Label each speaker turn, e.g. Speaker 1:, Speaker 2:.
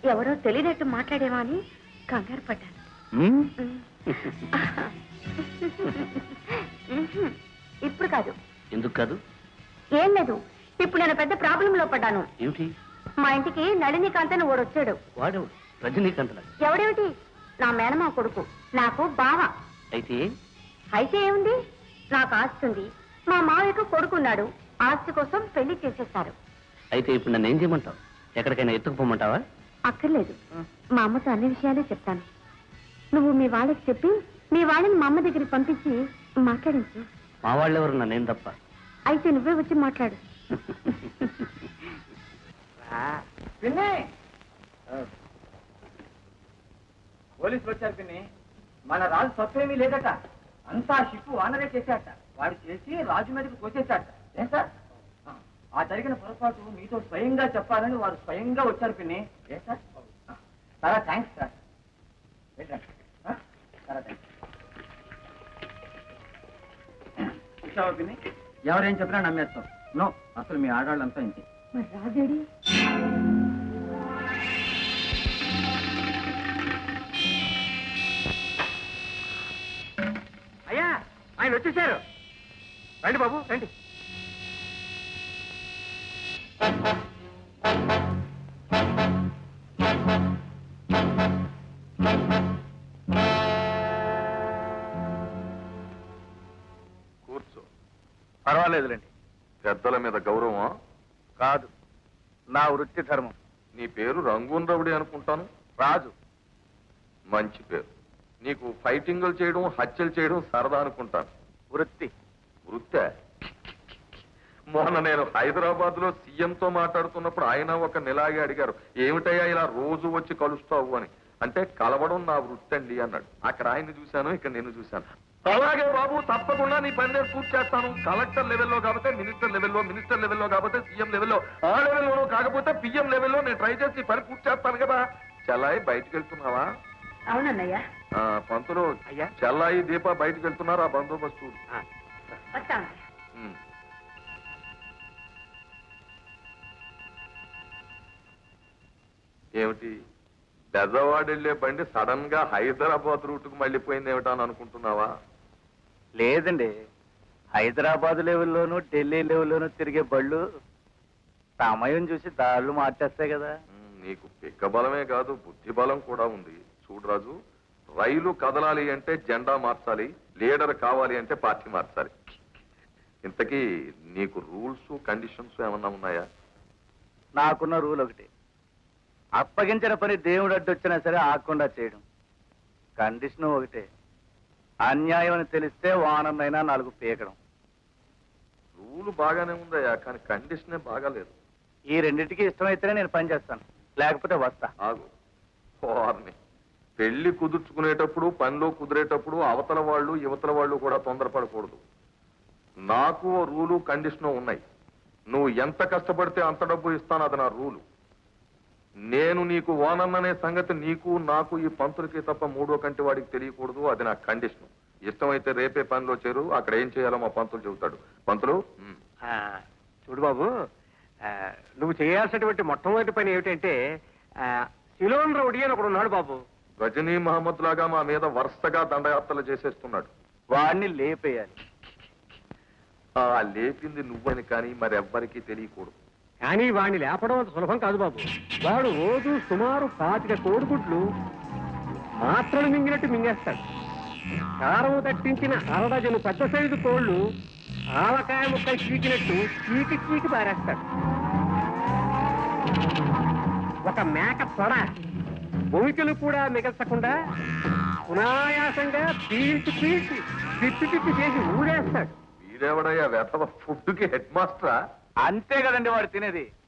Speaker 1: ఎవరో తెలియనట్టు మాట్లాడేవా అని కంగారు పడ్డాను. ఇప్పుడు కాదు.
Speaker 2: ఎందుకు కాదు?
Speaker 1: ఏం లేదు, ఇప్పుడు నేను పెద్ద ప్రాబ్లంలో పడ్డాను.
Speaker 2: ఏమిటి?
Speaker 1: మా ఇంటికి నళినీకాంత్ అని ఓడొచ్చాడు.
Speaker 2: వాడు రజనీకాంత్?
Speaker 1: ఎవడేమిటి, నా మేనమా కొడుకు, నాకు బావ.
Speaker 2: అయితే
Speaker 1: ఏముంది, నాకు ఆస్తి ఉంది, మా మావయ్యకు కొడుకున్నాడు, ఆస్తి కోసం పెళ్లి చేసేస్తారు.
Speaker 2: అయితే ఇప్పుడు నన్ను ఏం చేయమంటావు? ఎక్కడికైనా ఎత్తుకుపోమంటావా?
Speaker 1: అక్కర్లేదు, మా అమ్మతో అన్ని విషయాలే చెప్తాను. నువ్వు మీ వాళ్ళకి చెప్పి మీ వాళ్ళని మా అమ్మ దగ్గరికి పంపించి మాట్లాడించు.
Speaker 2: మా వాళ్ళెవరు, నన్నేం తప్ప?
Speaker 1: అయితే నువ్వే వచ్చి మాట్లాడు.
Speaker 3: పోలీసులు వచ్చారు పిన్ని. మన రాజు తప్పేమీ లేదట, అంతా షిప్పు వానరే చేశాట. వాడు చేసి రాజు మీదకి తోచేశాట. ఏం సార్, ఆ జరిగిన పొరపాటు మీతో స్వయంగా చెప్పాలని వారు స్వయంగా వచ్చారు పిన్ని. ఏ సార్, చాలా థ్యాంక్స్ సార్. చాలా థ్యాంక్స్. చూసావా పిన్ని, ఎవరేం చెప్పినా నమ్మేస్తాం. నో, అసలు మీ ఆడవాళ్ళంతా ఇంతే.
Speaker 1: మరి రాజేడి?
Speaker 3: అయ్యా, ఆయన వచ్చేసారు. రండి బాబు, రండి.
Speaker 4: కూర్చో.
Speaker 5: పర్వాలేదులేండి.
Speaker 4: పెద్దల మీద గౌరవం
Speaker 5: కాదు, నా వృత్తి ధర్మం.
Speaker 4: నీ పేరు రంగూన్ రవుడి అనుకుంటాను.
Speaker 5: రాజు.
Speaker 4: మంచి పేరు. నీకు ఫైటింగులు చేయడం, హత్యలు చేయడం సరదా అనుకుంటాను.
Speaker 5: వృత్తి.
Speaker 4: వృత్తే? మొన్న నేను హైదరాబాద్ లో సీఎంతో మాట్లాడుతున్నప్పుడు ఆయన ఒక నెలాగే అడిగారు, ఏమిటయ్యా ఇలా రోజు వచ్చి కలుస్తావు అని. అంటే కలవడం నా వృత్తి అండి అన్నాడు. అక్కడ ఆయన్ని చూశాను, ఇక్కడ నేను చూశాను. అలాగే బాబు, తప్పకుండా నీ పని నేను పూర్తి చేస్తాను. కలెక్టర్ లెవెల్లో కాకపోతే మినిస్టర్ లెవెల్లో, మినిస్టర్ లెవెల్లో కాకపోతే సీఎం లెవెల్లో, ఆ లెవెల్లోనూ కాకపోతే పిఎం లెవెల్లో నేను ట్రై చేసి పని పూర్తి చేస్తాను కదా. చెల్లాయి బయటికి వెళ్తున్నావా?
Speaker 1: అవునన్నయ్యా.
Speaker 4: పంతులు, చెల్లాయి దీప బయటికి వెళ్తున్నారు. ఆ బందోబస్తు
Speaker 1: వస్తాను.
Speaker 4: ఏమిటి, బెజవాడ వెళ్లే బండి సడన్ గా హైదరాబాద్ రూట్ కు మళ్ళీపోయింది ఏమిటా అని అనుకుంటున్నావా?
Speaker 5: లేదండి, హైదరాబాద్ లెవెల్లోనూ ఢిల్లీ లెవెల్లోనూ తిరిగే బళ్ళు సమయం చూసి దాళ్ళు మార్చేస్తాయి కదా.
Speaker 4: నీకు పిక్క బలమే కాదు, బుద్ధి బలం కూడా ఉంది. చూడు రాజు, రైలు కదలాలి అంటే జెండా మార్చాలి, లీడర్ కావాలి అంటే పార్టీ మార్చాలి. ఇంతకీ నీకు రూల్స్ కండిషన్స్ ఏమన్నా ఉన్నాయా?
Speaker 5: నాకున్న రూల్ ఒకటి, అప్పగించిన పని దేవుడు అడ్డొచ్చినా సరే ఆకుండా చేయడం. కండిషన్ ఒకటే, అన్యాయం అని తెలిస్తే వానన్నైనా 4 పీకడం.
Speaker 4: రూల్ బాగానే ఉందయ్యా, కానీ కండిషనే బాగాలేదు.
Speaker 5: ఈ రెండింటికి ఇష్టమైతేనే నేను పని చేస్తాను, లేకపోతే వస్తా.
Speaker 4: ఆగు. వారిని పెళ్లి కుదుర్చుకునేటప్పుడు, పనిలో కుదిరేటప్పుడు అవతల వాళ్ళు యువతల వాళ్ళు కూడా తొందరపడకూడదు. నాకు రూలు కండిషను ఉన్నాయి. నువ్వు ఎంత కష్టపడితే అంత డబ్బు ఇస్తాను, అది నా రూలు. నేను నీకు ఓనన్ననే సంగతి నీకు నాకు ఈ పంతులకి తప్ప 3వ కంటి వాడికి తెలియకూడదు, అది నా కండిషన్. ఇష్టమైతే రేపే పనిలో చేరు, అక్కడ ఏం చేయాలో మా పంతులు చెబుతాడు. పంతులు,
Speaker 3: చూడు బాబు, నువ్వు చేయాల్సినటువంటి మొట్టమొదటి పని ఏమిటంటే, సిలోన్ రౌడీ అని ఒకడు ఉన్నాడు బాబు.
Speaker 4: రజనీ మహమ్మద్ లాగా మా మీద వరుసగా దండయాత్రలు చేసేస్తున్నాడు.
Speaker 5: వాడిని లేపేయాలి.
Speaker 4: ఆ లేపింది నువ్వని కానీ మరెవ్వరికీ తెలియకూడదు.
Speaker 3: కానీ వాడిని లేపడం అంత సులభం కాదు బాబు. వాడు రోజు సుమారు 25 కోడిగుడ్లు మాత్రలు మింగినట్టు మింగేస్తాడు. కారం తట్టించిన 1/2 డజను పెద్ద సైజు కోళ్లు ఆవకాయ ముక్కలు చీకినట్టు చీకి పారేస్తాడు. ఒక మేక తొడ భూమికలు కూడా మిగల్చకుండా సునాయాసంగా పీల్చి పిప్పి చేసి ఊడేస్తాడు.
Speaker 4: వీడెవడయ్యా వెధవ, ఫుడ్కి హెడ్ మాస్టరా?
Speaker 5: అంతే కదండి వాడు తినేది.